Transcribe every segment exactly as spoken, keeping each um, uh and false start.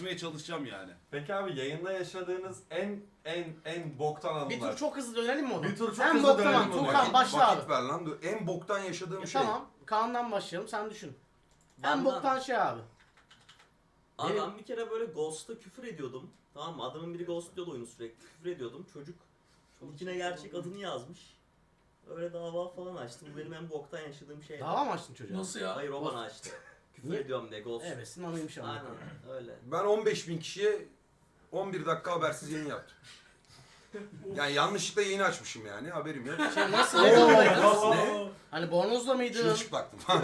çalışacağım yani. Peki abi yayında yaşadığınız en en en boktan anılar. Bir tur çok hızlı dönelim mi onu? Bir tur çok en hızlı boktan dönelim an. onu. Tuğkan Vakit- başla Vakit abi. ver lan. Dur. En boktan yaşadığım E, şey. tamam. Kaan'dan başlayalım. Sen düşün. En Benden- boktan şey abi. Abi Benim- ben bir kere böyle Ghost'a küfür ediyordum. Tamam mı? Adamın biri Ghost diyordu oyunu sürekli. Küfür ediyordum. Çocuk içine gerçek adını yazmış. Öyle dava falan açtı. Bu benim en boktan yaşadığım şey. Dava mı açtın çocuğa? Nasıl ya? Hayır o bana açtı. Küfür Niye? ediyorum diye Ghost. Evet, senin anıymış ama. Aynen öyle. Ben on beş bin kişiye on bir dakika habersiz yayın yaptım. Yani yanlışlıkla yayını açmışım yani. Haberim yok. Şey nasıl ne durumdaydın? Ne? Hani bornozla mıydın? Çırılçıplaktım falan.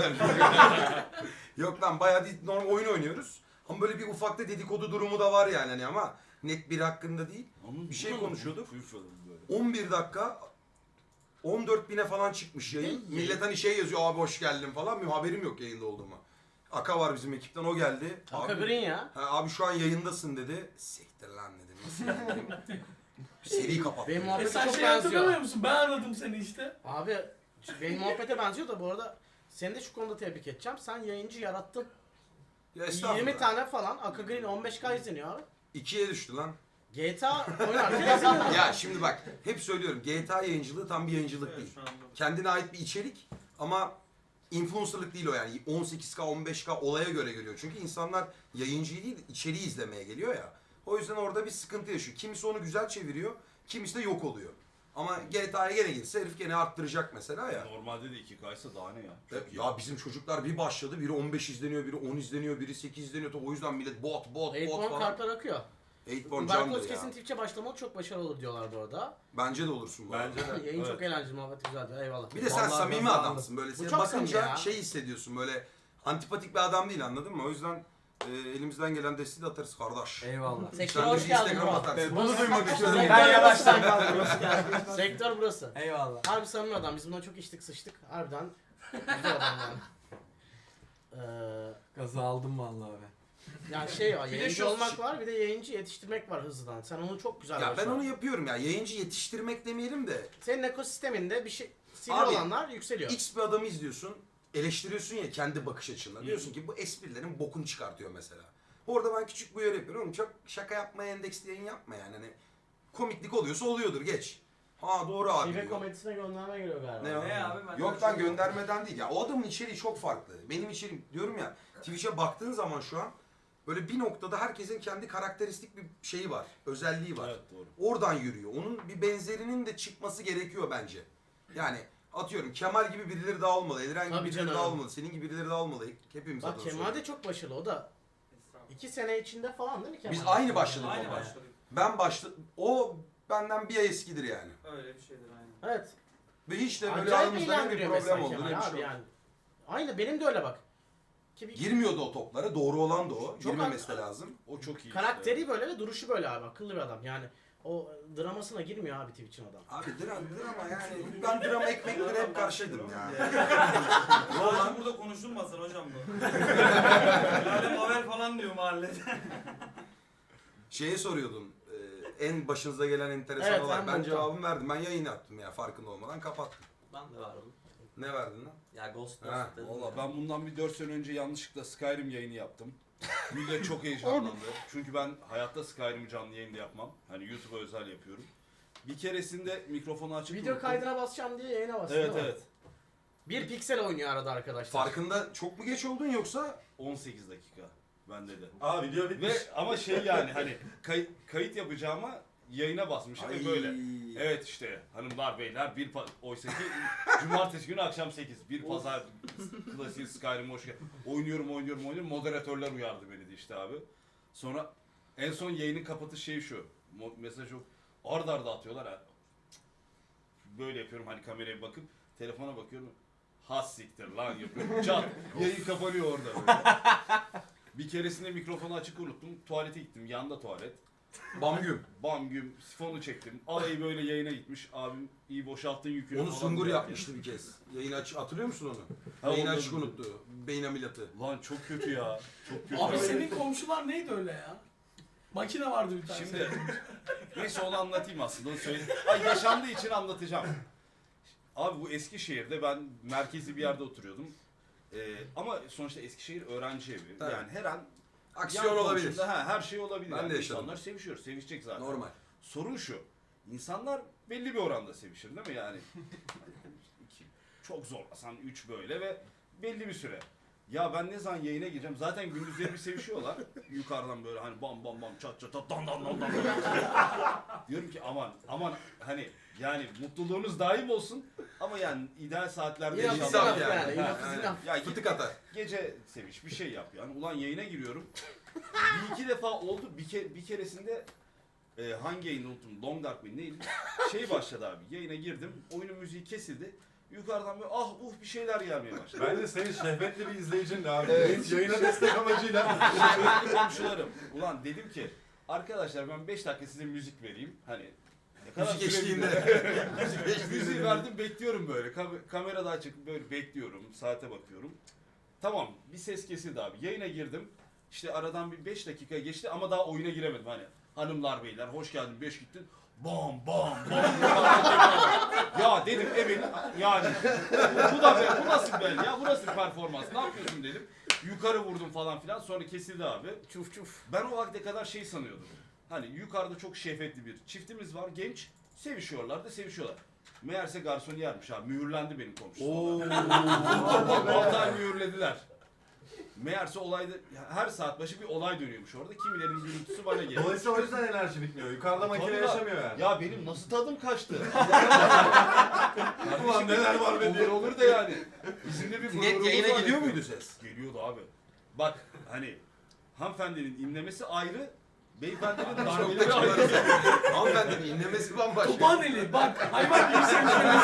Yok lan bayağı değil, normal oyun oynuyoruz. Ama böyle bir ufakta dedikodu durumu da var yani hani ama net biri hakkında değil. Onun Bir şey konuşuyorduk. Böyle. on bir dakika on dört bine falan çıkmış yayın. Ne? Millet hani şey yazıyor abi hoş geldin falan. Benim haberim yok yayında olduğuma. Aka var bizim ekipten o geldi. Aka Abi, Green ya. ha, abi şu an yayındasın dedi. Siktir lan dedim. Nasıl yayındayım? Seri kapattım. Benim E muhabbete sen çok şey hatırlamıyor benziyor. musun? Ben aradım seni işte. Abi benim muhabbete benziyor da bu arada seni de şu konuda tebrik edeceğim. Sen yayıncı yarattın. Ya estağfurullah. yirmi tane falan. Aka Green on beş K izleniyor abi. ikiye düştü lan. G T A oynarken izleniyor. Ya şimdi bak hep söylüyorum G T A yayıncılığı tam bir yayıncılık değil. Kendine ait bir içerik ama influencerlık değil o yani. on sekiz K on beş K olaya göre geliyor. Çünkü insanlar yayıncıyı değil içeriği izlemeye geliyor ya. O yüzden orada bir sıkıntı yaşıyor. Kimisi onu güzel çeviriyor, kimisi de yok oluyor. Ama G T A'ya gene girse herif gene arttıracak mesela ya. Normalde de iki K'ysa daha ne ya? Çok iyi. Ya bizim çocuklar bir başladı, biri on beş izleniyor, biri on izleniyor, biri sekiz izleniyor. O yüzden millet bot, bot, bot Eightborn falan. kartlar akıyor. Eightborn candır Berkoz ya. kesin Twitch'e başlamalı çok başarılı olur diyorlar bu arada. Bence de olursun bu arada. Bence de. Yayın Evet. çok eğlenceli, muhabbet güzel diyor. Eyvallah. Bir de sen Vallahi samimi ben adamsın böyle. Bu Seni çok bakınca samimi ya. şey hissediyorsun böyle antipatik bir adam değil anladın mı? O yüzden e, elimizden gelen desteği de atarız kardeş. Eyvallah. Sektör Sen de hoş bir geldin Instagram bro. atarsın. Bunu duymak istiyorum. Sektör Ben yavaştan burası. kaldım. Sektör burası. Eyvallah. Harbi samimi adam. Biz bundan çok içtik sıçtık. Harbiden güzel adam yani. Ee, Gazı aldım vallahi abi. yani şey var, Bir de yayıncı şu- olmak var, bir de yayıncı yetiştirmek var hızlıdan. Sen onu çok güzel Ya ben başardın. onu yapıyorum ya. Yayıncı yetiştirmek demeyelim de Senin ekosisteminde bir şey sivri Abi, olanlar yükseliyor. X bir adamı izliyorsun. Eleştiriyorsun ya kendi bakış açınla. Diyorsun ki bu esprilerin bokunu çıkartıyor mesela. Orada ben küçük bir uyarı yapıyorum. Oğlum çok şaka yapmaya endeksli yayın yapma yani. Hani komiklik oluyorsa oluyordur geç. Ha doğru abi Şive diyor. komedisine gönderme geliyor galiba. Ne o? Ne abi? Ben Yok lan göndermeden değil ya. O adamın içeriği çok farklı. Benim içeriğim diyorum ya Twitch'e baktığın zaman şu an böyle bir noktada herkesin kendi karakteristik bir şeyi var. Özelliği var. Evet doğru. Oradan yürüyor. Onun bir benzerinin de çıkması gerekiyor bence. Yani atıyorum Kemal gibi birileri daha olmalı. Eliren gibi Tabii birileri canım. daha olmalı. Senin gibi birileri daha olmalı. Hepimiz Bak adına Kemal de söylüyorum. çok başarılı, o da iki sene içinde falan değil mi Kemal? Biz aynı başladık Aynı ama. başladık. Ben başladım. O benden bir ay eskidir yani. Öyle bir şeydir aynen. Evet. Ve hiç de böyle Acayip aramızda ne bir eğlendiriyor problem mesela oldu ne Kemal bir abi şey oldu. yani. Aynı benim de öyle bak. Ki bir Girmiyordu o toplara. Doğru olan da o. Çok Girmemesi de haklı. lazım. O çok iyi. karakteri işte. böyle ve duruşu böyle abi, akıllı bir adam yani. O dramasına girmiyor abi Twitch'in adam. Abi drama, drama yani. Ben drama ekmeklere hep karşıydım ya. Ulan burada konuşulmasın hocam bu. Yani Mavel falan diyor mahallede. Şeye soruyordun. e, En başınıza gelen enteresan Evet, olay. en Ben boktan. cevabımı verdim. Ben yayın yaptım ya farkında olmadan kapattım. Ben de vardım. Ne verdin lan? Ya Ghost Ha, Ghost dedim. Valla ya. ben bundan bir dört sene önce yanlışlıkla Skyrim yayını yaptım. Millet çok heyecanlandı. Çünkü ben hayatta Skyrim'i canlı yayında yapmam. Hani YouTube'a özel yapıyorum. Bir keresinde mikrofonu açıp Video unuttum. kaydına basacağım diye yayına bastı Evet değil mi? evet. Bir piksel oynuyor arada arkadaşlar. Farkında çok mu geç oldun yoksa? on sekiz dakika bende de. Aa video bitmiş. Ve ama şey yani hani kay- kayıt yapacağıma yayına basmışım ve böyle. Evet işte hanımlar beyler bir pa- oysa ki cumartesi günü akşam sekiz bir pazar klasik Skyrim hoş geldin. Oynuyorum oynuyorum oynuyorum moderatörler uyardı beni de işte abi. Sonra en son yayının kapatış şeyi şu. Mo- mesaj yok. Arda arda atıyorlar ha. Böyle yapıyorum hani kameraya bakıp telefona bakıyorum. Has siktir lan yapıyorum. Çat. Yayın kapanıyor orada böyle. Bir keresinde mikrofonu açık unuttum. Tuvalete gittim. Yanda tuvalet. Bamgüm. Bam güm sifonu çektim. Alayı böyle yayına gitmiş. Abim iyi boşalttın yükünü Onu falan Sungur diyor. yapmıştı bir kez. Yayın aç hatırlıyor musun onu? Ha, Yayın onu açık da- unuttu. Beyin ameliyatı. Lan çok kötü ya. Çok kötü. Abi senin komşular neydi öyle ya? Makine vardı bir tane. Şimdi neyse onu anlatayım aslında. Onu söyle. Ay yaşandığı için anlatacağım. Abi bu Eskişehir'de ben merkezi bir yerde oturuyordum. Ee, ama sonuçta Eskişehir öğrenci evi. Tabii. Yani her an Aksiyon yan olabilir. komşumda, ha, her şey olabilir. Ben de Yani yaşadım. İnsanlar sevişiyor, sevişecek zaten. Normal. Sorun şu. İnsanlar belli bir oranda sevişir değil mi yani? iki, çok zorlasan üç böyle ve belli bir süre. Ya ben ne zaman yayına gireceğim? Zaten gündüzleri bir sevişiyorlar. Yukarıdan böyle hani bam bam bam çat çat çat dan dan dan dan. Diyorum ki aman aman hani yani mutluluğunuz daim olsun ama yani ideal saatlerde Enough is inşallah- enough yani. Ha, Enough is yani. enough. Ya git Fıtık atar. gece seviş bir şey yap yani. Ulan yayına giriyorum. bir iki defa oldu. Bir, ke bir keresinde e, hangi yayını unuttum. Long Dark mı neydi? Şey başladı abi. Yayına girdim. Oyunun müziği kesildi. Yukarıdan böyle ah uh bir şeyler gelmeye başladı. Bence senin şehvetli bir izleyicin de abi. Evet. Yayına destek amacıyla. Şehvetli komşularım. Ulan dedim ki arkadaşlar ben beş dakika size müzik vereyim. Hani ne kadar Müzik süre eşliğinde. gidiyor? Müzik eşliğinde. Müziği verdim bekliyorum böyle. Kam- kamera açık böyle bekliyorum. Saate bakıyorum. Tamam bir ses kesildi abi. Yayına girdim. İşte aradan bir beş dakika geçti ama daha oyuna giremedim hani. Hanımlar beyler hoş geldin beş gittin. Bam bam bam. Ya dedim evet yani bu, bu da be, bu nasıl ben ya bu nasıl performans ne yapıyorsun dedim. Yukarı vurdum falan filan sonra kesildi abi. Çuf çuf. Ben o vakte kadar şey sanıyordum. Hani yukarıda çok şehvetli bir çiftimiz var genç sevişiyorlar da sevişiyorlar. Meğerse garsoniyermiş abi mühürlendi benim komşum. altı ay mühürlediler. Meğerse olayda her saat başı bir olay dönüyormuş orada. Kimilerin gürültüsü bana geliyor. Dolayısıyla o yüzden enerji bitmiyor. Yukarıda makine Tabii lan. yaşamıyor yani. Ya benim nasıl tadım kaçtı? Ulan neler var be diye. Olur olur da yani. Bizim de bir Net gururumuz yayına var gidiyor ya. muydu ses? Geliyordu abi. Bak hani hanımefendinin inlemesi ayrı, beyefendinin Çok da darbeleri kibar. ayrı. Hanımefendinin inlemesi bambaşka. Topaneli bak hayvan gibi sevişiyoruz.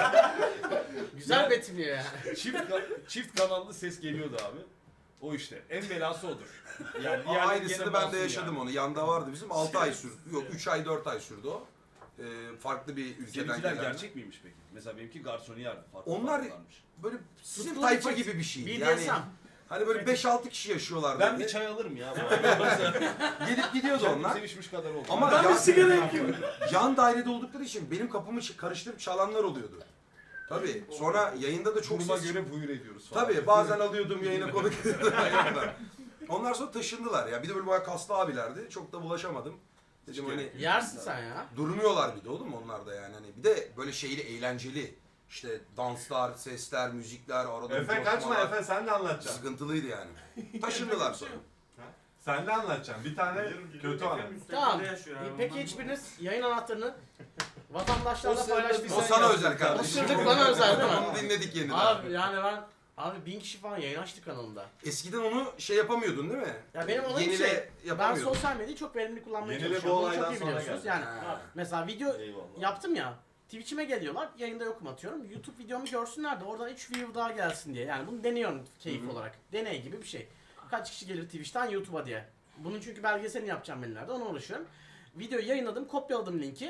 Güzel betimliyor yani. Çift, ka- çift kanallı ses geliyordu abi. O işte. En belası odur. Yani Aa, diğerleri aynısını gene ben de masum yaşadım yani. onu. Yanda vardı bizim. altı ay sürdü. Yok üç ay dört ay sürdü o. Ee, farklı bir ülkeden Seninkiler gelenler. gerçek miymiş peki? Mesela benimki garsoniyerdi. Farklı Onlar- farklılarmış. Böyle sizin Tutkulu tayfa çift. gibi bir şeydi. B D Yani S M. hani böyle beş altı kişi yaşıyorlardı. Ben bir çay alırım ya. bu arada. Gelip gidiyordu Kendim onlar. sevişmiş kadar oldu. Ama Ben bir yan, sigara yakıyorum. yan dairede oldukları için benim kapımı ç- karıştırıp çalanlar oluyordu. Tabii. Sonra yayında da çok Duruma ses... göre buyur ediyoruz falan. Tabii bazen alıyordum yayına konuk ediyordum. Onlar sonra taşındılar ya. Bir de böyle bayağı kaslı abilerdi. Çok da bulaşamadım. Dedim hani Yersin sen ya. durmuyorlar bir de oğlum onlar da yani. Hani bir de böyle şeyli eğlenceli. İşte danslar, sesler, müzikler, arada Efe kaçma coşmalar. Efe sen de anlatacaksın. Sıkıntılıydı yani. Taşındılar sonra. Sen de anlatacaksın. Bir tane kötü anı. Tamam. Peki hiçbiriniz yayın anahtarını vatandaşlarla O sırada paylaştıysa... O sana özel O kardeşim. sırlık bana özel değil mi? Onu dinledik yeniden. Abi yani ben... Abi bin kişi falan yayın açtı kanalımda. Eskiden onu şey yapamıyordun değil mi? Ya benim olayım Yenile şey, ben yapamıyordun. sosyal medyayı çok verimli kullanmaya Yenile bu çalışıyorum. Bunu olaydan çok iyi sonra biliyorsunuz. geldi. Yani Ha. mesela video Eyvallah. yaptım ya. Twitch'ime geliyorlar, yayında yokum atıyorum. YouTube videomu görsünler de oradan üç view daha gelsin diye. Yani bunu deniyorum keyif Hı hı. olarak. Deney gibi bir şey. Kaç kişi gelir Twitch'ten YouTube'a diye. Bunun çünkü belgeselini yapacağım ben ileride, ona uğraşıyorum. Videoyu yayınladım, kopyaladım linki.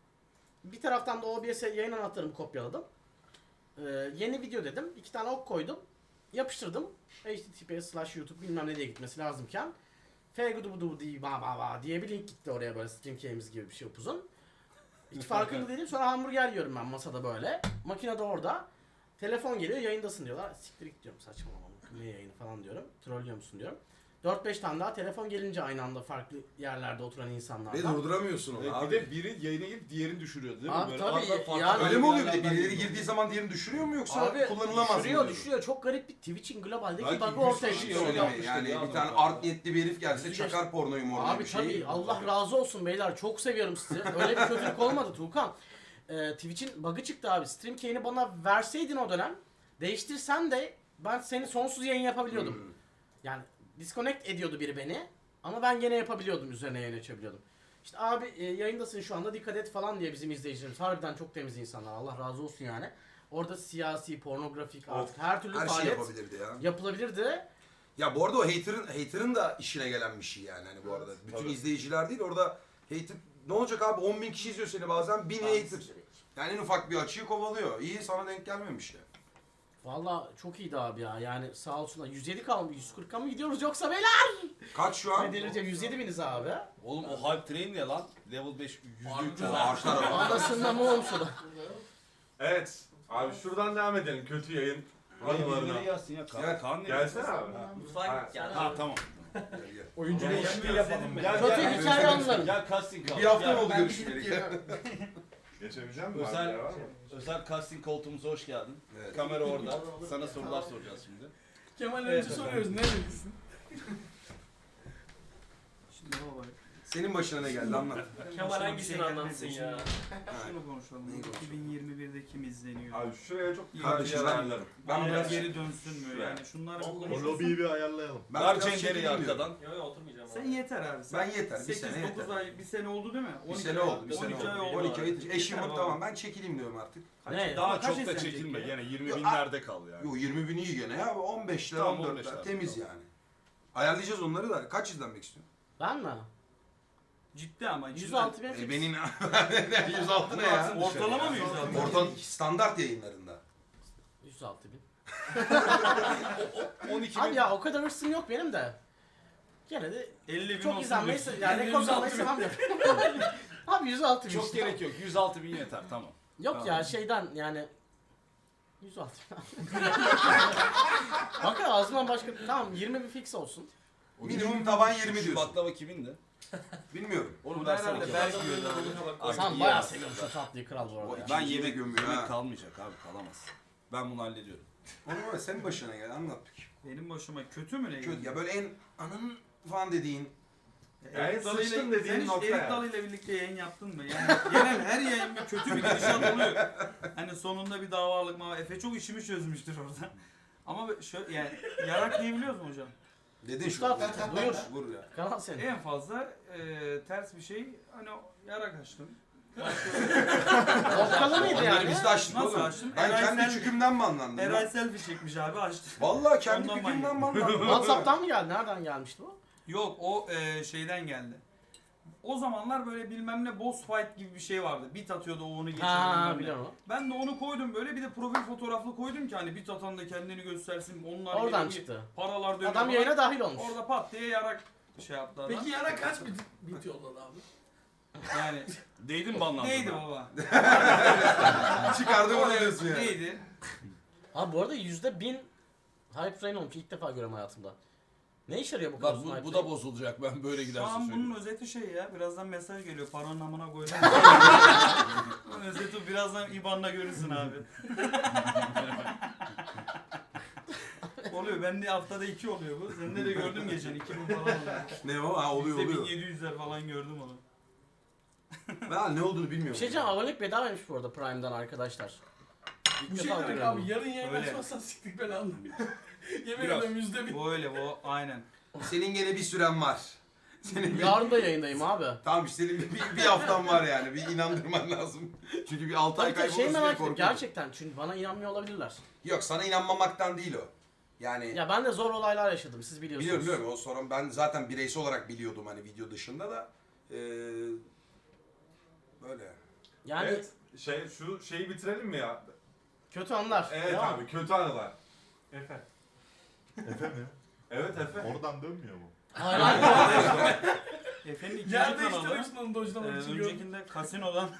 Bir taraftan da O B S'e yayın anahtarımı kopyaladım. Ee, yeni video dedim, iki tane ok koydum. Yapıştırdım. H T T P S slash YouTube bilmem ne diye gitmesi lazımken. F gudu budu diye ba ba ba diye bir link gitti oraya böyle stream key'imiz gibi bir şey upuzun. Hiç farkında değilim. Sonra hamburger yiyorum ben masada böyle. Makine de orada. Telefon geliyor, yayındasın diyorlar. Siktir git diyorum, saçmalama. Ne yayını falan diyorum. Trollüyor musun diyorum. dört beş tane daha telefon gelince aynı anda farklı yerlerde oturan Ve insanlardan. durduramıyorsun onu Evet, abi. bir de biri yayına girip diğerini düşürüyordu değil mi? Abi Böyle tabii, arada farklı yani- Öyle mi oluyor bir de? yerlerden Birileri geliyor. girdiği zaman diğerini düşürüyor mu yoksa Abi kullanılamaz mı? düşürüyor diyorsun? düşürüyor. Çok garip bir Twitch'in globaldeki Belki bug'ı yüz ortaya kişi çıkıyor. öyle Söyleme yapmıştır yani ya bir tane adam. art niyetli bir herif gelse Yüzü çakar pornoyu mornoyu Abi bir şey. tabii Allah razı olsun beyler, çok seviyorum sizi. Öyle bir kötülük olmadı Tuğkan. Ee, Twitch'in bug'ı çıktı abi. Stream key'ini bana verseydin o dönem, değiştirsen de ben seni sonsuz yayın yapabiliyordum. Hmm. Yani disconnect ediyordu biri beni ama ben gene yapabiliyordum, üzerine yayın açabiliyordum. İşte abi e, yayındasın şu anda dikkat et falan diye bizim izleyicilerimiz harbiden çok temiz insanlar, Allah razı olsun yani. Orada siyasi, pornografik artık her türlü Her şey faaliyet yapabilirdi ya. yapılabilirdi. Ya bu arada o hater'ın hater'ın da işine gelen bir şey yani hani bu arada. Bütün Tabii. izleyiciler değil orada hater ne olacak abi on bin kişi izliyor seni bazen bin hater. Yani en ufak bir açıyı kovalıyor. İyi sana denk gelmemiş ya. Valla çok iyiydi abi ya, yani sağ olsunlar. yüz yedi kalmış, yüz kırka mı gidiyoruz yoksa beyler? Kaç şu an? Ne delireceğim, yüz yedi biniz abi. Oğlum o hype train ne lan? Level beş yüzde üç yüz. Arşlar ama. Anasından mı olmuş o da? Evet. Abi şuradan devam edelim kötü yayın Birileri anılarına. gelsin ya. Kaan, Gel. Kaan ne? Gelsene abi. Mutfağa git gel. Ha tamam. Oyuncu Yani değişikliği ben yapalım. özledim Gel, Kötü gel. hikaye anlarım. Gel casting kal. Bir hafta Gel. mı oldu Ben görüşmeyeli? gidip geliyorum. Geçebileceğim mi? Özel, Var mı? özel casting koltuğumuza hoş geldin. Evet. Kamera orada. Sana sorular soracağız şimdi. Kemal önce soruyoruz ne bilirsin? Şimdi baba. Senin başına ne geldi anlat. Kemal hangisini anlatsın ya? Şunu konuşalım. Neyi konuşalım? iki bin yirmi birde kim izleniyor? Abi şuraya çok iyi Kardeşim bir ben- ayarlarım. Ben Bana biraz geri dönsün mü? Yani şunlar O O lobiyi bir ayarlayalım. ben Ver biraz Cender'i çekileyim arkadan. diyorum. Yok yok oturmayacağım. Sen abi. yeter abi. Sen Ben yeter, bir sekiz sene dokuz yeter. ay, bir sene oldu değil mi? Bir on iki sene ay- oldu, bir sene on iki ay oldu. oldu. on iki ay eşim Yeter tamam baba. ben çekileyim diyorum artık. Kaç- Ne? Daha kaç çok da izlenecek çekilme. ya? Gene yirmi Yo, binlerde kal yani. Yo yirmi bin iyi gene ya on beşler Tamam, on on dörtler beşler. temiz yani. Ayarlayacağız onları da kaç izlenmek istiyorsun? Ben mi? Ciddi ama. yüz altı bin E fix. benim yüz altı ne ya? Ortalama mı yüz altı? Orta standart yayınlarında. yüz altı bin. on iki Abi bin. ya o kadar hırsım yok benim de. Gene de elli bin çok olsun izlenmeyi diyorsun. yani rekor kırmayı sevmem ya. Abi yüz altı bin Çok işte. gerek yok. yüz altı bin yeter tamam. Yok Tamam. ya şeyden yani yüz altı bin. Bakın ağzımdan başka tamam yirmi bin fix olsun. Minimum taban yirmi Şu diyorsun. baklava kimindi? Bilmiyorum. Onu Bu versene. herhalde Kemal. belki yiyordu abi. Artık Sen yiyemez. bayağı seviyorsun şu tatlıyı kral bu O arada ya. iki- Ben İkinciyi de yemek, gömüyor yemek ha. kalmayacak abi kalamaz. Ben bunu hallediyorum. Onu var senin başına gel anlat. Benim başıma kötü mü ne? Kötü ya böyle en ananın falan dediğin. Yani Erik Dalı sıçtın ile, dediğin sen hiç nokta Erik yani. Dalı ile birlikte yayın yaptın mı? Yani genel her yayın bir kötü bir gidişat oluyor. Hani sonunda bir davalık mı? Efe çok işimi çözmüştür orada. Ama şöyle yani yarak diyebiliyoruz mu hocam? Dedin şu. Üstad, buyur. Vur ya. Kanal senin. En fazla e, ters bir şey hani o yarak açtım. Okkalı mıydı Onları yani? biz de açtık Nasıl oğlum. açtın? Ben Eray kendi sen- çükümden mi anlandım? Eray ya? selfie çekmiş abi açtı. Vallahi kendi Ondan çükümden mi manyak. anlandım? Whatsapp'tan mı geldi? Nereden gelmişti bu? Yok o e, şeyden geldi. O zamanlar böyle bilmem ne boss fight gibi bir şey vardı. Bit atıyordu o onu geçiyordu. Ha bilmem ne. biliyorum. Ben de onu koydum böyle bir de profil fotoğraflı koydum ki hani bit atan da kendini göstersin. Onlar Oradan geliyor, çıktı. paralar dönüyor. Adam falan. yayına dahil olmuş. Orada pat diye yarak şey yaptı adam. Peki yana kaç bit, bit yolladı abi? Yani Değdin mi banlandın? neydi baba? Çıkardı bunu diyorsun ya. Neydi? Abi bu arada yüzde bin hype train olmuş. İlk defa görüyorum hayatımda. Ne işe yarıyor bu Bak kadar bu, hype bu train? da bozulacak ben böyle Şu giderse an söyleyeyim. bunun özeti şey ya. Birazdan mesaj geliyor. Paranın amına koydum. Bunun özeti birazdan I B A N'la görürsün abi. oluyor. Bende haftada iki oluyor bu. Sende de gördüm geçen. iki bin falan oluyor. Ne o? Ha oluyor Bizde oluyor. bin yedi yüzler falan gördüm onu. Ben ne olduğunu Bir bilmiyorum. şey diyeceğim abonelik bedavaymış bu arada Prime'dan arkadaşlar. İlk Bu şey defa demek görüyorum. abi yarın yayın Öyle. açmazsan siktik ben anladım. Yemin Biraz. ederim yüzde bir. Bu öyle bu aynen. Senin gene bir süren var. Senin bir... Yarın da yayındayım abi. Tamam işte senin bir, bir, bir haftan var yani. Bir inandırman lazım. Çünkü bir altı ay Tabii ki kaybolursun şey diye merak ettim korkuyorum. gerçekten çünkü bana inanmıyor olabilirler. Yok sana inanmamaktan değil o. Yani Ya ben de zor olaylar yaşadım siz biliyorsunuz. biliyorum biliyorum o sorun ben zaten bireysel olarak biliyordum hani video dışında da. Ee, böyle. Yani Evet. Şey şu şeyi bitirelim mi ya? kötü anlar. Evet Devam. abi kötü anılar. Efe. Efe mi? Evet Efe. Oradan dönmüyor mu? Hayır hayır. Efe'nin ikinci Yer kanalı. değiştirmek için onu Ee, dojlamak için gördüm. öncekinde kasinodan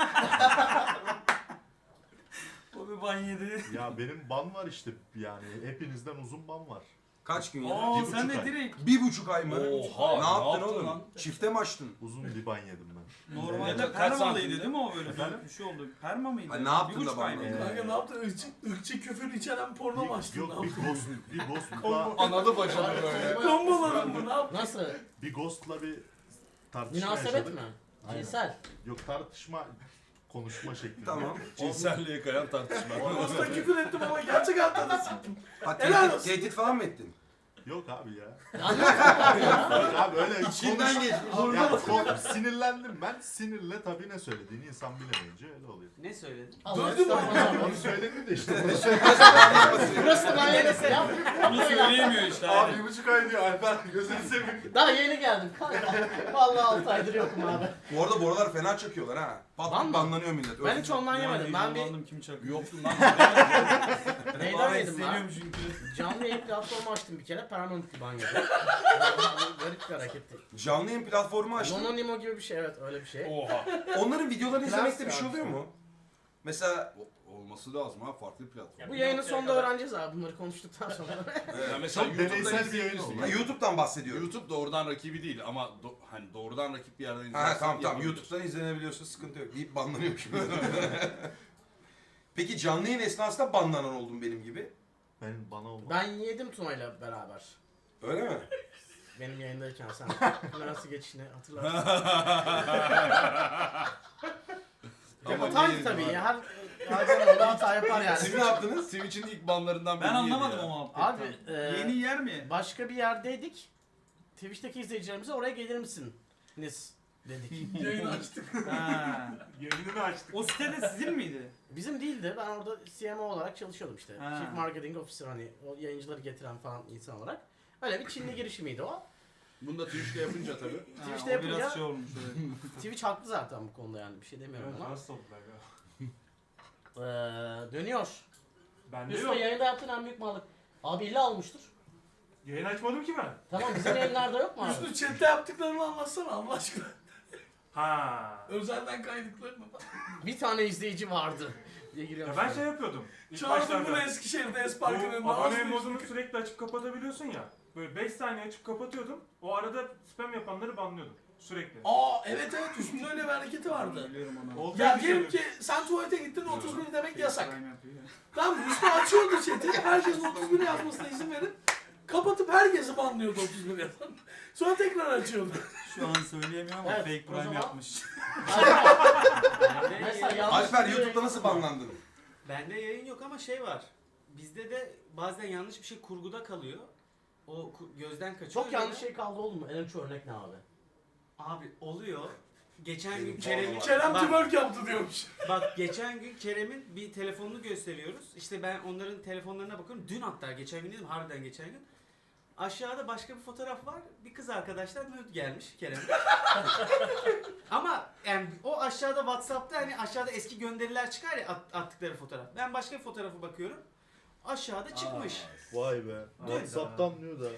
o bir ban yedi. Ya benim ban var işte yani hepinizden uzun ban var. Kaç gün ya? Aa bir sen buçuk de ay. direkt Bir buçuk ay mı? Oha, ne ne yaptın yaptın oğlum? lan? Çifte mi açtın? Uzun bir ban yedim ben. normalde Kaç permalıydı santimdi? değil mi o böyle? Efendim? Bir şey oldu. Perma mıydı? Ha, ne yaptın Bir buçuk da ay ban mıydı? yedin? Kanka ne yaptın? Irkçı, ırkçı küfür içeren porno mu açtın? Yok Ne bir yaptın? ghost, bir ghostla, Analı bacalı böyle. Komboladın mı? Ne yaptın? Nasıl? bir ghostla bir tartışma Münasebet yaşadık. mi? Aynen. Cinsel. Yok tartışma, konuşma şeklinde. Tamam. Cinselliğe kayan tartışma. Orada küfür ettim ama gerçek hayatta da siktim. Ha, Helal tehdit, olsun. tehdit falan mı ettin? Yok abi ya. Anlat. Yok abi öyle İçinden konuş- geçmiş. Ya, kon- sinirlendim ben. Sinirle tabii ne söylediğini insan bilemeyince öyle oluyor. Ne söyledin? Döndüm ama. Onu söyledim de işte. Bunu söyle- Burası da ben yeni selam. Bunu söyleyemiyor işte Abi abi. bir buçuk ay diyor Alper gözünü seveyim. Daha yeni geldim kanka. Vallahi altı aydır yokum abi. Bu arada bu aralar fena çakıyorlar ha. Ban Pat mı? banlanıyor millet. Ben hiç ondan yemedim. Ben bir Heyecanlandım, kim çakıyor? Yoksun lan. neyden Abi yedim ben? hissediyorum çünkü. Canlı yayın platformu açtım bir kere. Permanent ban yedim. Garip bir hareketti. Canlı yayın platformu açtın. Nononimo gibi bir şey evet öyle bir şey. Oha. Onların videolarını Klas izlemekte bir şey ya. oluyor mu? Mesela Olmaz Olması lazım ha, farklı platform. Ya Bu bir yayının noktaya sonunda kadar- öğreneceğiz abi bunları konuştuktan sonra. Ya mesela Çok YouTube'da deneysel bir yayın izleyebilirsin. oldu. Ha, YouTube'dan bahsediyorum. YouTube doğrudan rakibi değil ama do- hani doğrudan rakip bir yerden Ha izlersen tamam tamam yapabilirsin. YouTube'dan izlenebiliyorsa sıkıntı yok deyip banlanıyormuş. Peki canlı yayın esnasında banlanan oldun benim gibi. Ben bana olmaz. Ben yedim Tuna'yla beraber. Öyle mi? Benim yayındayken sen kamerası geçişini hatırlarsın. Ama Hataydı yedim tabii abi. ya. Her hayvan orada hata yapar yani. Siz ne yaptınız? Twitch'in ilk banlarından Ben biriydi anlamadım ya. o muhabbeti. Abi e, Yeni yer mi? başka bir yerdeydik. Twitch'teki izleyicilerimize oraya gelir misiniz dedik. Yayını açtık. Ha. Yayınını açtık. O sitede sizin miydi? Bizim değildi. Ben orada C M O olarak çalışıyordum işte. Ha. Chief Marketing Officer, hani o yayıncıları getiren falan insan olarak. Öyle bir Çinli girişimiydi o. Bunu da Twitch'te yapınca tabii. Ha, Twitch'te o yapınca- biraz şey olmuş. Evet. Twitch haklı zaten bu konuda, yani bir şey demiyorum ama. Nasıl oldular ya? Ee, dönüyor. Bende Üstüne yok. yayında yaptığın en büyük mallık. Abi illa almıştır. Yayın açmadım ki ben. Tamam, bizim yayınlarda yok mu abi? Üstü chatte yaptıklarını anlatsana Allah aşkına. Ha. Özelden kaydıklarını. Bir tane izleyici vardı diye giriyorum. Ya ben şey yapıyordum. İlk Çağırdım bunu başlarda. Eskişehir'de Bu Espark'ın önünde. abone az modunu bir- sürekli açıp kapatabiliyorsun ya. Böyle beş saniye açıp kapatıyordum. O arada spam yapanları banlıyordum. Sürekli. Aa evet evet üstünde öyle bir hareketi vardı. Biliyorum onu. Oldu Ya bir şey diyelim yok. ki sen tuvalete gittin otuz bir demek yasak. Prime yapıyor ya. Tamam mı? Üstü açıyordu chat'i. Herkesin otuz bir yazmasına izin verip kapatıp herkesi banlıyordu otuz bir yazan. Sonra tekrar açıyordu. Şu an söyleyemiyorum ama Evet, fake o prime zaman- yapmış. Mesela yanlış Alper bir YouTube'da nasıl banlandın? Bende yayın yok ama şey var. Bizde de bazen yanlış bir şey kurguda kalıyor. O ku- gözden kaçıyor. Çok yanlış Öyle- şey kaldı oldu mu? En önce örnek ne abi? Abi oluyor. Geçen gün Benim Kerem'in... Kerem bak, twerk yaptı diyormuş. bak geçen gün Kerem'in bir telefonunu gösteriyoruz. İşte ben onların telefonlarına bakıyorum. Dün hatta geçen gün dedim, harbiden geçen gün. Aşağıda başka bir fotoğraf var. Bir kız arkadaşlar nude gelmiş Kerem'e. Ama yani o aşağıda WhatsApp'ta hani aşağıda eski gönderiler çıkar ya at- attıkları fotoğraf. Ben başka bir fotoğrafa bakıyorum. Aşağıda çıkmış. Vay be. WhatsApp'tan diyor da.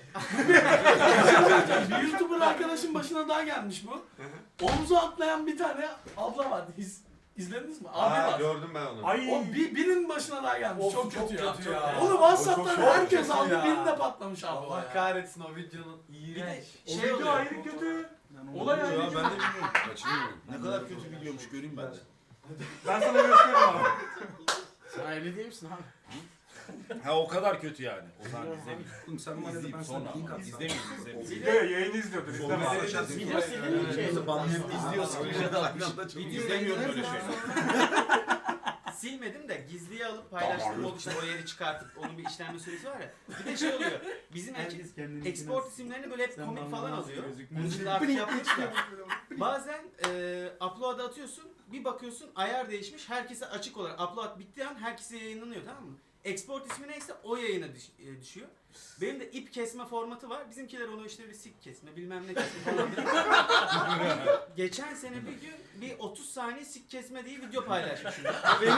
Bir YouTuber arkadaşın başına daha gelmiş bu. Omuza atlayan bir tane abla vardı. İz, izlediniz mi? Abi Aa, var. gördüm ben onu. Ay. O bir, birinin başına daha gelmiş. Of, çok, çok kötü, ya. kötü ya. Onu WhatsApp'tan O çok herkes kötü aldı. ya. Birinde patlamış abi. o Allah ya. kahretsin o videonun Bir de iğrenç. O şey video oluyor. ayrı kötü. Yani Olay onu- ayrı Ya kötü. ben de bilmiyorum. Kaçırıyorum. Ne kadar kötü videomuş göreyim ben de. Ben sana gösteririm abi. Sen evli değil misin abi? Ha o kadar kötü yani. O zaman izlemeyeyim. Oğlum sen bana da İzleyeyim ben sonra sana link ama. atsam. İzlemeyeyim izlemeyeyim. Video yayını izliyordur. Olmaz. İstemez. Video sildiğin için. İzliyor screenshot atmış. İzlemiyorum böyle şey. Silmedim de gizliye alıp paylaştığım oldu işte o yeri çıkartıp onun bir işlenme süresi var ya. Bir de şey oluyor. Bizim ekip Herkes kendini export isimlerini böyle hep Sen komik bana falan nasıl alıyor. gözükmüyorsun? Bunu şimdi artık yapmışlar. Bazen e, upload'a atıyorsun, bir bakıyorsun ayar değişmiş, herkese açık olarak upload bittiği an herkese yayınlanıyor, tamam mı? Export ismi neyse o yayına düş- e, düşüyor. Benim de ip kesme formatı var. Bizimkiler onu işte bir sik kesme bilmem ne kesme falan diyor. Geçen sene bir gün bir otuz saniye sik kesme diye video paylaşmışım. Benim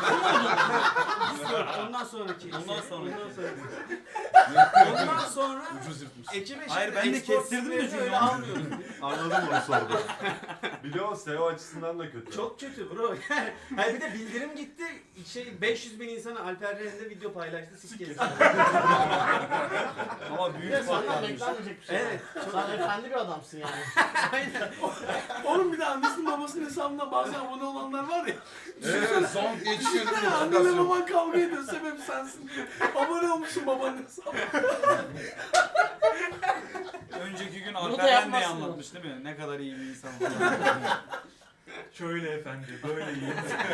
Yok, ondan sonraki. Ondan sonra. Ondan sonra. Ondan sonra Ucuz yırtmış. ekibe Hayır, şimdi ben de export kestirdim de isimlerini çünkü öyle onu. almıyorum. Anladım onu sordu. Bir de o S E O açısından da kötü. Çok kötü bro. Yani, hayır bir de bildirim gitti. Şey beş yüz bin insana Alper Ren'de video paylaştı siz kestin. Ama Bir de büyük senden patlamış. beklenmeyecek bir şey. Evet. Sen efendi bir adamsın yani. Aynen. Oğlum bir de annesinin babasının hesabından bazen abone olanlar var ya. Evet son geçiyor. Düşünsene annenle baban kavga ediyor, sebebi sensin. Abone olmuşsun babanın hesabına. Önceki gün Bunu da Alper'den de yapmazsın anlatmış değil mi? Ne kadar iyi bir insan. Şöyle efendi, böyle iyi.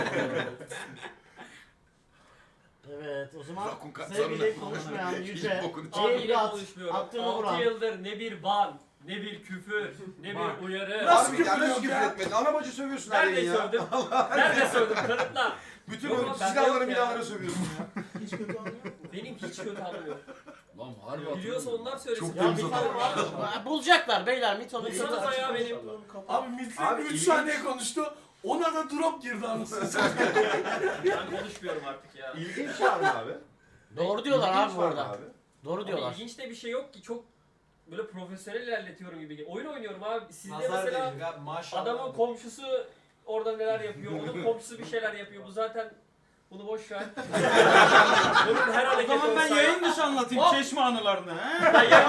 Evet, o zaman Rakun kat- sevgili sonra- konuşmayan Hiç yüce bokunu Abi Ceyhun'u yine at, konuşmuyorum. attığını altı vuran. yıldır ne bir ban, ne bir küfür, ne Bak. bir uyarı. Nasıl Abi ya nasıl küfür küfür ya? etmedin? Ana bacı sövüyorsun her Nerede yayın ya. sövdüm? Nerede sövdüm? Kanıtla. Bütün Yok o ama bende silahları yok ya. milahları sövüyorsun ya. Hiç kötü anlıyor. Benim hiç kötü anım yok. Lan harbi Biliyorsa onlar söylesin. Çok Ya temiz bir tane adam. var. Bulacaklar beyler Mito'nun. Bulsanıza ya benim. Abi Mitli Abi, üç ilginç. saniye konuştu. Ona da drop girdi anasını satayım. Ben konuşmuyorum artık ya. İlginç var mı abi? Doğru diyorlar İlginç abi bu var mı arada. abi? Doğru Abi diyorlar. ilginç de bir şey yok ki, çok böyle profesyonel ilerletiyorum gibi. Oyun oynuyorum abi. Sizde Nazar mesela değecek abi maşallah. adamın komşusu orada neler yapıyor, onun komşusu bir şeyler yapıyor. Bu zaten Bunu boş ver. Bunun her O hareketi zaman ben olsa- yayın dışı anlatayım çeşme anılarını. He?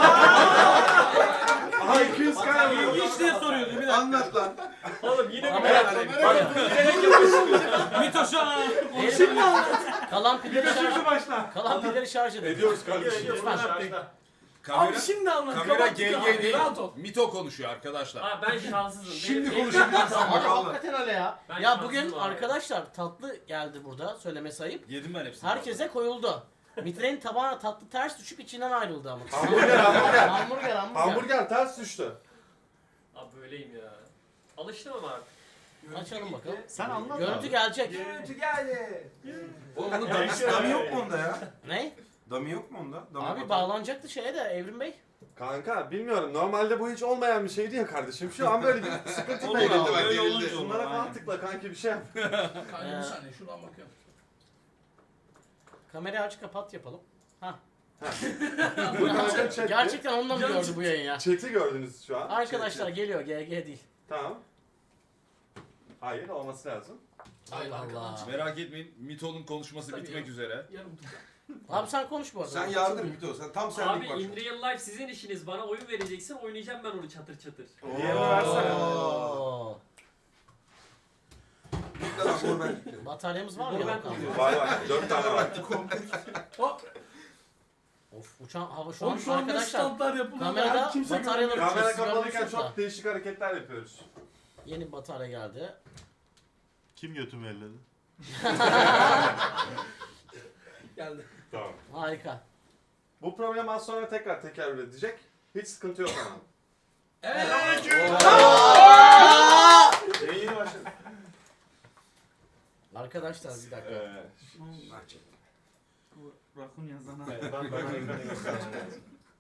Aha iki yüz kaya vurdu. İlginç diye soruyordu bir dakika. Anlat lan. Oğlum yine bir Kamera- Bak, bilerek yapıyorsun. Mito şu an. Şimdi kalan pilleri şarj, Şimdi başla. kalan pilleri şarj edin. Ediyoruz kardeşim. Lütfen. Kamera, Abi şimdi anlat. kamera Kapat G abi, G değil. rahat ol. Mito konuşuyor arkadaşlar. Abi ben şanssızım. Şimdi Benim- konuşabilirsin. Ama Bakalım. hakikaten öyle ya. Ben Ya şanssızım bugün abi. arkadaşlar tatlı geldi burada söylemesi ayıp. Yedim ben hepsini. Herkese koyuldu. Mitre'nin tabağına tatlı ters düşüp içinden ayrıldı ama. Hamburger hamburger. hamburger hamburger. Hamburger ters düştü. Abi böyleyim ya. Alıştım ama artık. Açalım bakalım. Sen anlat Görüntü abi. gelecek. Görüntü geldi. Oğlum bunun dami, dami yok mu onda ya? Ne? Dami yok mu onda? Dami Abi yok. bağlanacaktı şeye de Evrim Bey. Kanka bilmiyorum. Normalde bu hiç olmayan bir şeydi ya kardeşim. Şu an böyle bir sıkıntı Olur oldu. abi, bak, öyle gerildi. olunca olur. Şunlara falan aynen. tıkla kanki bir şey yap. Kanka Ee, bir saniye şuradan bakıyorum. Kamerayı aç kapat yapalım. Ha. Bu kanka chat'ti. Gerçekten onunla mı gördü bu yayın ya? Chat'i gördünüz şu an. Arkadaşlar geliyor G G değil. Tamam. Hayır olması lazım. Allah Allah. Merak etmeyin, Mito'nun konuşması Tabii bitmek ya. üzere. Yarım tutar. Abi sen konuş bu arada. Sen yardım Mito. Sen tam senlik Abi bak. in real life sizin işiniz. Bana oyun vereceksin. Oynayacağım ben onu çatır çatır. Diğerini versene. Oo. Bekle lan bunu ben bekliyorum. Bataryamız var mı? Bunu ben Yok abi. koyuyorum. Var var. Dört tane var. Hop. Of uçan hava şu an Oğlum şu anda arkadaşlar. standlar yapılıyor. kamerada Her kimse bataryaları görmüyor. Kamera Siz kapalıyken görmüyorsunuz da. çok değişik hareketler yapıyoruz. Yeni bir batarya geldi. Kim götümü elledi? Geldi. Tamam. Harika. Bu problem az sonra tekrar tekerrür edecek. Hiç sıkıntı yok ama. Evet. Yayını başladı. Arkadaşlar bir dakika. Ee, Bu Rakun yazana. evet, ben ben ekranı göstermem lazım.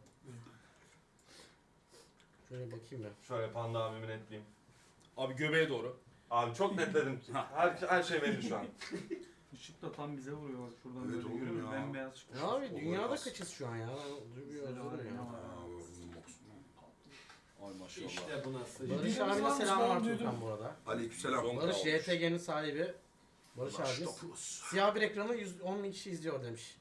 Şöyle bakayım ya. Şöyle Panda abimi netleyeyim. Abi göbeğe doğru. Abi çok netledim. Her, her şey belli şu an. Işık da tam bize vuruyor bak şuradan Evet böyle oğlum görüyor musun? ya. Bembeyaz çıkmış. Ya abi Olur dünyada olmaz. kaçız şu an ya? Duyuyor Güzel özür abi, ya. Ay maşallah. İşte bu nasıl? Barış Bildiğimiz abine varmış, selam ben var duydum. Tukan bu arada. Aleykümselam. Son- Barış olmuş. Y T G'nin sahibi. Barış abimiz. Baştopuz. Siyah bir ekranı yüz on bin kişi izliyor demiş.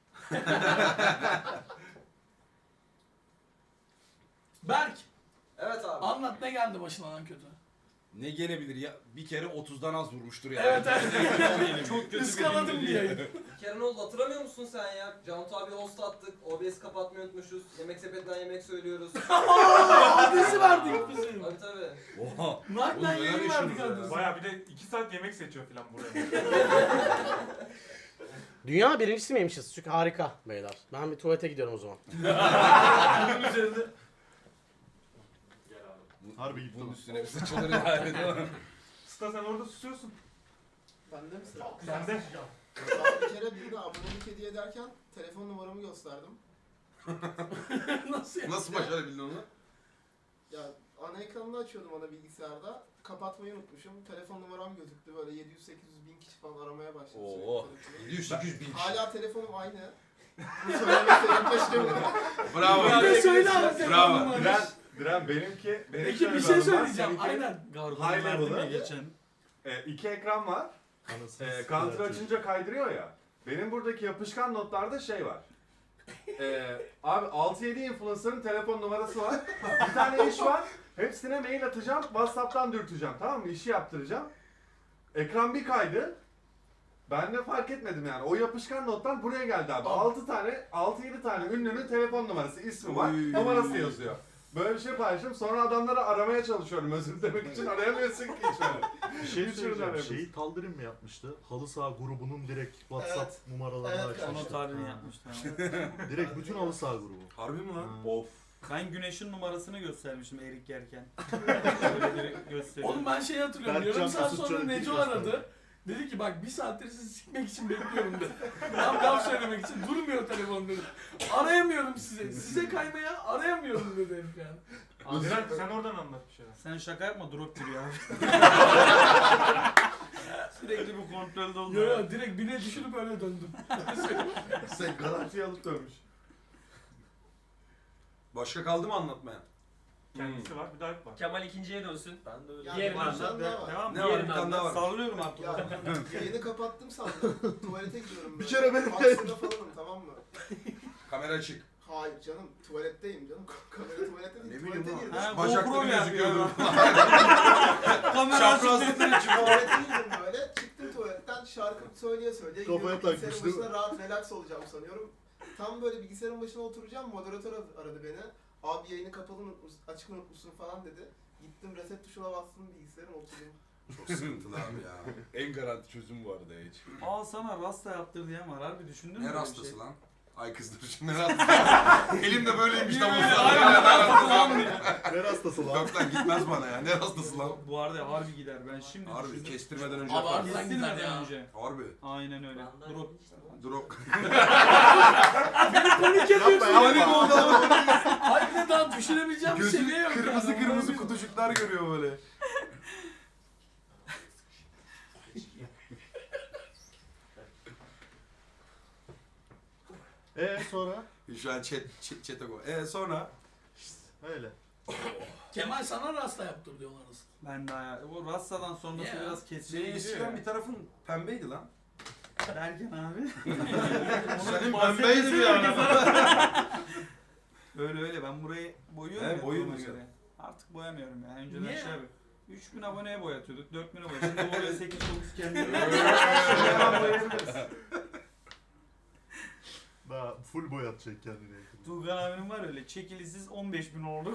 Berk. Evet abi. Anlat ne geldi başına lan kötü? Ne gelebilir ya? Bir kere otuzdan az vurmuştur ya. Evet evet. Çok kötü bir Iskaladım gündür diye. ya. Bir kere ne oldu hatırlamıyor musun sen ya? Cantu abi host attık, O B S kapatmayı unutmuşuz, yemek sepetinden yemek söylüyoruz. Adresi verdik bizim. Tabii tabii. Oha. Naklen Oğlum, yayın neler verdik yaşıyorsunuz adresi. Baya bir de iki saat yemek seçiyor falan buraya. Dünya birincisi miymişiz? Çünkü harika beyler. Ben bir tuvalete gidiyorum o zaman. Bunun üzerinde. Harbi gitti. Bunun üstüne bir sıçılır yani. değil mi? Sıta sen orada susuyorsun. Bende mi sıra? Sen de. Ben bir kere bir de abonelik hediye ederken telefon numaramı gösterdim. Nasıl ya? Nasıl başarabildin onu? Ya ana ekranını açıyordum ana bilgisayarda. Kapatmayı unutmuşum. Telefon numaram gözüktü. Böyle yedi yüz sekiz yüz bin kişi falan aramaya başladı. Oo. sürekli. yedi yüz sekiz yüz bin kişi. Hala telefonum aynı. Bu söylemekte yaklaştım. Bravo. Bir de söyle abi. Bravo. sen Diren, Diren benimki... benim Peki şöyle bir şey anım var. söyleyeceğim. Seninki, Aynen. Gargon High verdim ya level'ı. geçen. E, iki ekran var. E, counter açınca kaydırıyor ya. Benim buradaki yapışkan notlarda şey var. E, abi altı yedi influencer'ın telefon numarası var. Bir tane iş var. Hepsine mail atacağım. WhatsApp'tan dürteceğim. Tamam mı? İşi yaptıracağım. Ekran bir kaydı. Ben de fark etmedim yani. O yapışkan notlar buraya geldi abi. altı tane, altı yedi tane ünlünün telefon numarası, ismi var. Oy. Numarası yazıyor. Böyle bir şey paylaştım. Sonra adamları aramaya çalışıyorum özür dilemek için. Arayamıyorsun ki hiç öyle. Bir şey Hiç söyleyeceğim. öyle Şeyi Taldirim mi yapmıştı? Halı saha grubunun direkt WhatsApp Evet. numaralarını Evet, açmıştı. Onun tarihini yapmışlar. Direkt bütün halı saha grubu. Harbi mi lan? Ha. Of. Ben Güneş'in numarasını göstermiştim erik yerken. Öyle direkt gösteriyorum. Oğlum ben şey hatırlıyorum. Berkcan Yarım saat Kusut sonra Çörek'i Neco gösterdi. aradı. Dedi ki bak bir saattir sizi sikmek için bekliyorum dedi. Tam laf söylemek için durmuyor telefon dedi. Arayamıyorum sizi. Size kaymaya arayamıyorum dedi herif yani. Diren sen oradan anlat bir şeyler. Sen şaka yapma drop giriyor abi. Sürekli bu kontrolde oldu. Yo yo direkt bine düşürüp öyle döndüm. Sen garantiye alıp dönmüş. Başka kaldı mı anlatmaya? Kendisi var, bir de Alp var. Kemal ikinciye dönsün. Ben de öyle. Ya, Diğerini bir anlat. tane daha var. Devam. Ne var? Bir tane daha var. Sallıyorum artık. Ya yayını kapattım sandım. Tuvalete gidiyorum böyle. Bir kere benim Aksında falanım, tamam mı? Kamera açık. Hayır canım, tuvaletteyim canım. Kamera tuvalette değil, Ne bileyim tuvalete girdim. Ha, Bacakları GoPro gözüküyordu. yapıyor. Kamera Çaprazlıkları için. Tuvalete girdim böyle. Çıktım tuvaletten şarkı söyleye söyleye Kafaya gidiyorum. takmış, Bilgisayarın değil mi? başına rahat relax olacağım sanıyorum. Tam böyle bilgisayarın başına oturacağım, moderatör aradı beni. Abi yayını kapalı unutmuşsun, açık unutmuşsun falan dedi. Gittim reset tuşuna bastım bilgisayarın oturdum. Çok sıkıntılı abi ya. En garanti çözüm bu arada hiç. Aa sana rasta yaptır diyen var. Harbi düşündün mü? Ne böyle bir rastası şey? lan? Ay kız dur şimdi ne rastası? Elim de böyleymiş tam o Aynen, sırada. Ne rastası lan? Yok lan gitmez bana ya. Ne rastası lan? Bu arada harbi gider. Ben şimdi Harbi düşündüm. kestirmeden önce. Abi yapar. harbiden gider Kestirmeden ya. önce. Harbi. Aynen öyle. Ben Drop. Drop. Panik Yapma yapıyorsun. yapma. oldu ama. Hayır ne daha düşünebileceğim bir Gözü seviye yok. kırmızı yani. kırmızı kutucuklar görüyor böyle. Ee sonra? Şu an chat, chat, chat'e koy. Eee sonra? Öyle. Kemal sana rasta yaptır diyorlar aslında. Ben daha ya. Bu rastadan sonrası Ya. biraz Senin kesici gidiyor eskiden ya. bir tarafın pembeydi lan. Derken abi. Senin bahsetmesi pembeydi bir yok ara. Öyle öyle ben burayı boyuyorum He, ya boyuyorsun duruma sen. göre. Artık boyamıyorum ya. Önceden Niye? şey abi. üç bin aboneye boyatıyorduk. dört bin abone. Şimdi oraya sekiz dokuz kendime. Daha full boyatacak kendine yakın. Tuğkan abinin var öyle. Çekilisiz on beş bin olduk.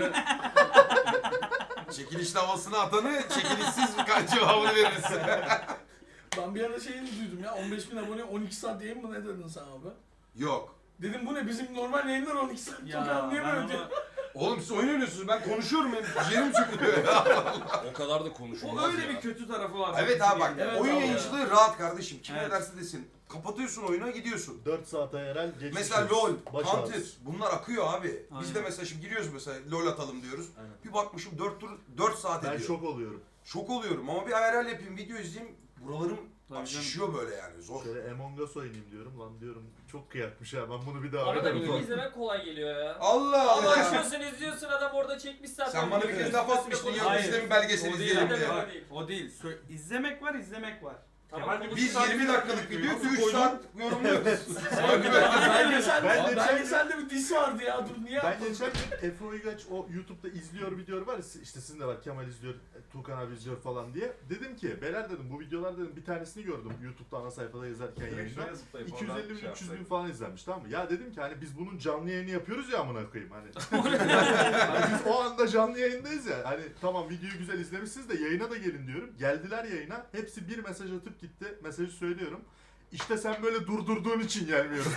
Çekilişli havasını atanı çekilişsiz kaç cevabını veririz. Ben bir ara şeyini duydum ya, on beş bin abone on iki saat yayın mı ne dedin sen abi? Yok. Dedim bu ne, bizim normal yayınlar on iki saat. Çok ya ben anlayamıyorum diye. onu... Oğlum siz oyun oynuyorsunuz. Ben konuşuyorum hem yerim çıkıyor ya. O kadar da konuşulmaz O öyle ya. bir kötü tarafı var. Evet abi bak. Evet oyun abi. yayıncılığı rahat kardeşim. Kim Evet. ne derse desin. Kapatıyorsun oyuna gidiyorsun. dört saate yerel geçmiş. Mesela LoL, Baş Counter ağrısı. bunlar akıyor abi. Biz Aynen. de mesela şimdi giriyoruz mesela LoL atalım diyoruz. Aynen. Bir bakmışım dört tur dört saat Ben ediyor. şok oluyorum. Şok oluyorum ama bir I R L yapayım, video izleyeyim. Buralarım Tabii canım. şişiyor böyle yani zor. Şöyle Among Us oynayayım diyorum. Lan diyorum çok kıyakmış ha. Ben bunu bir daha Bana da oynarım. video izlemek kolay geliyor ya. Allah Ama Allah. açıyorsun izliyorsun, adam orada çekmiş zaten. Sen bana bir kez laf atmıştın ya Hayır. biz de mi belgesel O değil, izleyelim Zaten diye. öyle Bak, değil. o değil. Sö- izlemek var, izlemek var. Tamam, Kemal konuş- Biz yirmi dakikalık video üç saat yorumluyoruz. Belgeselde, Ben geçen- belgeselde bir diss vardı ya, dur niye Ben yapmadın? geçen gün Efe Uygaç o YouTube'da izliyor videoları var ya, işte sizin de var, Kemal izliyor, Tuğkan abi izliyor falan diye. Dedim ki beyler dedim bu videolar dedim bir tanesini gördüm YouTube'da ana sayfada yazarken yayında. iki yüz elli bin üç yüz bin falan izlenmiş, tamam mı? Ya dedim ki hani biz bunun canlı yayını yapıyoruz ya amına koyayım hani. Hani biz o anda canlı yayındayız ya. Hani tamam videoyu güzel izlemişsiniz de yayına da gelin diyorum. Geldiler yayına. Hepsi bir mesaj atıp gitti. Mesajı söylüyorum. İşte sen böyle durdurduğun için gelmiyorum.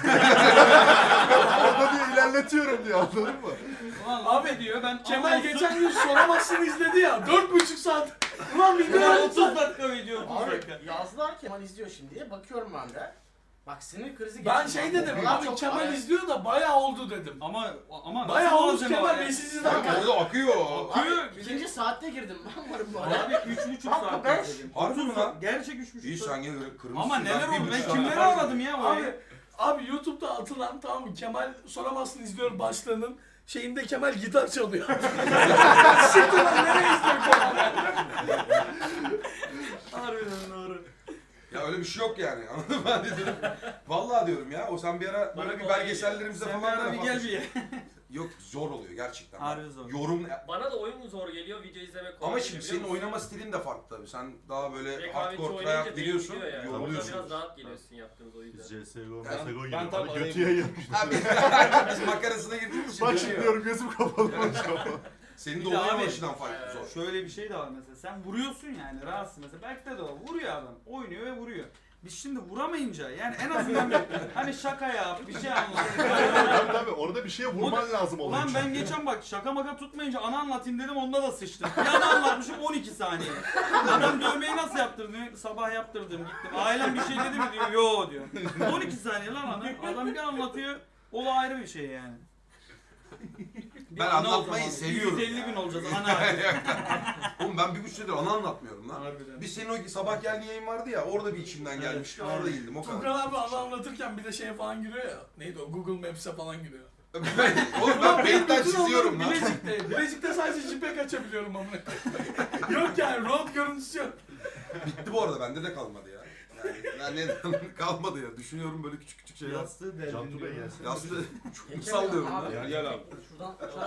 Orada diye ilerletiyorum diye, anladın mı? Ulan Abi, abi diyor ben Kemal anonsuz- geçen gün soramazsın izledi ya, dört buçuk saat. Ulan video Ya yaptı. otuz dakika video otuz Abi dakika. yazdılar Kemal izliyor şimdi diye bakıyorum ben de. Bak sinir krizi Ben geçirdim. şey dedim, Vallahi abi çok Kemal araya- izliyor da bayağı oldu dedim. Ama ama Bayağı nasıl olmuş malzeme Kemal var Bey, ya? siz Bak izlerken. orada akıyor. Akıyor. Abi, ikinci saatte girdim ben varım bu arada. Abi üç buçuk Kanka saat beş. izledim. Harbi mi lan? Gerçek üç buçuk İyi saat. sen gene kırmızı. Ama neler oldu? Ben kimleri kimleri aradım ya Abi, orayı? abi YouTube'da atılan, tamam mı, Kemal soramazsın izliyor başlığının şeyinde Kemal gitar çalıyor. Siktir lan, nereye izliyor Kemal? Harbiden doğru. Ya öyle bir şey yok yani. Anladın mı? Ben de dedim. Vallahi diyorum ya. O sen bir ara Bana böyle bir kolay belgesellerimize Sen bir falan ara da bir laf gel atmıştın. bir ye. Yok zor oluyor gerçekten. Harbi zor. Yorum Bana da oyun zor geliyor, video izlemek kolay ama geliyor, şimdi biliyor senin musun? oynama stilin de farklı tabii. Sen daha böyle Rekabetçi hardcore oynayınca tryhard beyin giriyorsun, gidiyor yani. Orada yoruluyorsun. biraz rahat geliyorsun yaptığımız o yüzden. Biz C S G O, Ben- M S G O ben giriyor. tam Bana arayayım. götüye yemiş. Abi biz makarasına girdiğimiz için Bak şimdi dönüyor. diyorum gözüm kapalı baş kapalı. Senin de Bir de oyun abi- başından farklı zor. Şöyle bir şey de var mesela. Sen vuruyorsun yani rahatsın mesela. Belki de o vuruyor adam. Oynuyor ve vuruyor. Biz şimdi vuramayınca yani en azından bir, hani şaka yap, bir şey anlat. Tabii tabii orada bir şeye vurman lazım oluyor. Ulan ben geçen bak şaka maka tutmayınca ana anlatayım dedim, onda da sıçtım. Bir ana anlatmışım on iki saniye. Adam dövmeyi nasıl yaptırdın? Sabah yaptırdım gittim. Ailem bir şey dedi mi diyor. Yo diyor. on iki saniye lan adam. Adam bir anlatıyor. O da ayrı bir şey yani. Bir Ben ana o anlatmayı zaman. seviyorum yüz elli ya. gün olacağız ana. Oğlum ben bir buçuk senedir ana anlatmıyorum lan. Harbiden. Bir senin o sabah geldiğin yayın vardı ya, orada bir içimden gelmişti, orada indim o kadar. Tuğkan abi ana anlatırken bir de şeye falan giriyor ya. Neydi o, Google Maps'e falan giriyor. Oğlum ben Paint'ten çiziyorum lan. Bilecik'te. Bilecik'te sadece JPEG açabiliyorum amına. Yok yani road görüntüsü yok. Bitti bu arada bende de kalmadı ya. Yani, yani kalmadı ya. Düşünüyorum böyle küçük küçük şeyler. Yastığı Cantu Bey gelsin. Yastığı çok sallıyorum Abi, lan. Gel gel abi. Şuradan